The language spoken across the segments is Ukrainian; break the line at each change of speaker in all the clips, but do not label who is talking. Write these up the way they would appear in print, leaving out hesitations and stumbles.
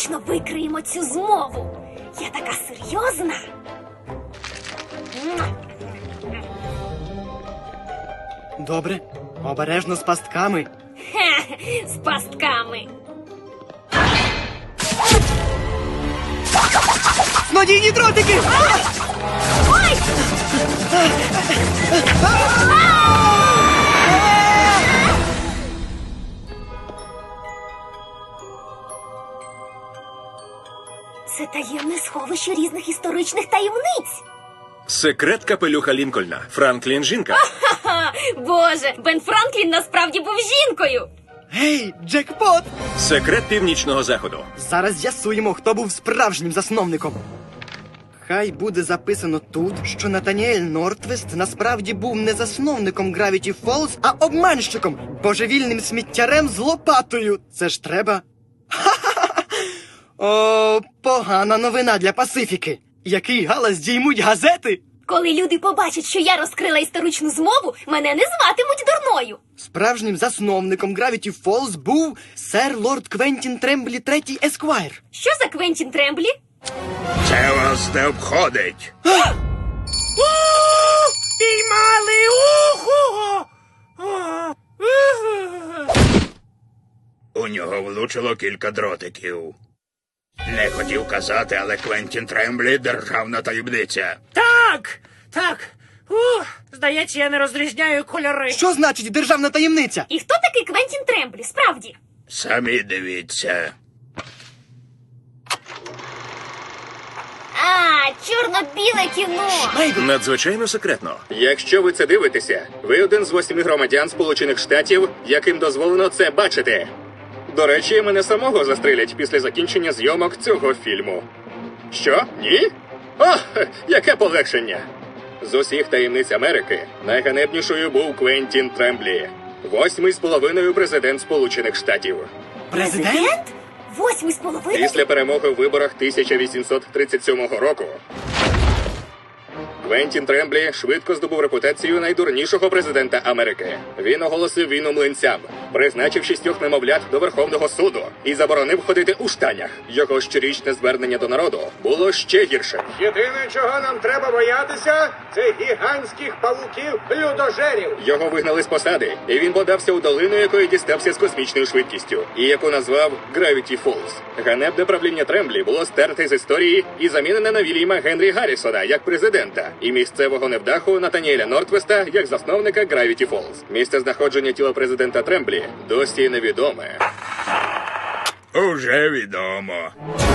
точно викриємо цю змову. Я така серйозна.
Добре, обережно з пастками.
Хе, з пастками.
Снодійні дротики!
Ой! Це таємне сховище різних історичних таємниць.
Секрет капелюха Лінкольна. Франклін жінка.
Ха-ха! Боже, Бен Франклін насправді був жінкою.
Гей, джекпот!
Секрет північного заходу.
Зараз з'ясуємо, хто був справжнім засновником. Хай буде записано тут, що Натаніель Нортвест насправді був не засновником Gravity Falls, а обманщиком, божевільним сміттярем з лопатою. Це ж треба. Ха-ха-ха! О, погана новина для Пасифіки. Який галас діймуть газети?
Коли люди побачать, що я розкрила історичну змову, мене не зватимуть дурною.
Справжнім засновником Gravity Falls був сер лорд Квентін Тремблі III Есквайр.
Що за Квентін Тремблі?
Це вас не обходить.
Піймали! Уху!
У нього влучило кілька дротиків. Не хотів казати, але Квентін Тремблі – державна таємниця.
Так! Здається, я не розрізняю кольори.
Що значить державна таємниця?
І хто такий Квентін Тремблі, справді?
Самі дивіться.
А, чорно-біле кіно.
Надзвичайно секретно. Якщо ви це дивитеся, ви один з 8 громадян Сполучених Штатів, яким дозволено це бачити. До речі, мене самого застрелять після закінчення зйомок цього фільму. Що? Ні? О, яке полегшення! З усіх таємниць Америки найганебнішою був Квентін Тремблі. 8-й з половиною президент Сполучених Штатів.
Президент?
8,5?
Після перемоги в виборах 1837 року Квентін Тремблі швидко здобув репутацію найдурнішого президента Америки. Він оголосив війну млинцям, призначив 6 немовлят до Верховного суду і заборонив ходити у штанях. Його щорічне звернення до народу було ще гіршим.
Єдине, чого нам треба боятися, це гігантських павуків-людожерів.
Його вигнали з посади, і він подався у долину, якої дістався з космічною швидкістю, і яку назвав Gravity Falls. Ганебне правління Тремблі було стерте з історії і замінене на Вільяма Генрі Гаррісона як президента, і місцевого невдаху Натаніеля Нортвеста як засновника Gravity Falls. Місце знаходження тіла президента Тремблі досі невідоме. Уже відомо.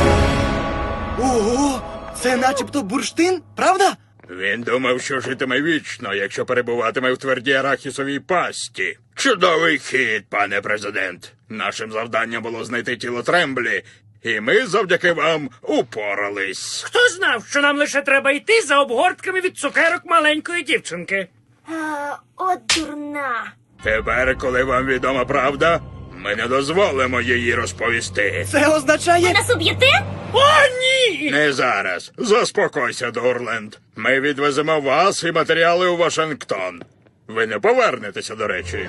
Ого! Це начебто бурштин, правда?
Він думав, що житиме вічно, якщо перебуватиме в твердій арахісовій пасті. Чудовий хід, пане президент. Нашим завданням було знайти тіло Тремблі, і ми завдяки вам упорались.
Хто знав, що нам лише треба йти за обгортками від цукерок маленької дівчинки?
От дурна.
Тепер, коли вам відома правда, ми не дозволимо її розповісти.
Це означає...
Нас уб'єте?
О, ні!
Не зараз. Заспокойся, Дурленд. Ми відвеземо вас і матеріали у Вашингтон. Ви не повернетеся, до речі.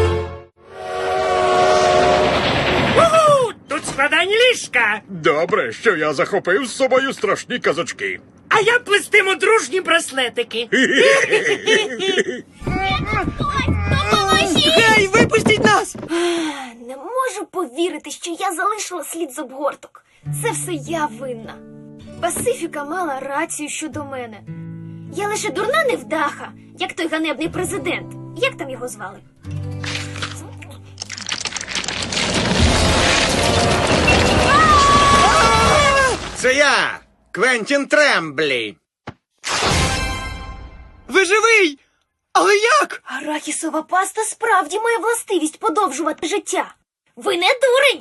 Уху! Тут складені ліжка,
Добре, що я захопив з собою страшні казочки.
а я плестиму дружні браслетики.
Допоможіть!
Гей, випустіть нас!
Не можу повірити, що я залишила слід з обгорток. Це все я винна. Пасифіка мала рацію щодо мене. Я лише дурна невдаха, як той ганебний президент. Як там його звали?
Це я, Квентін Тремблі.
Ви живий! Але як?
Арахісова паста справді має властивість подовжувати життя. Ви не дурень!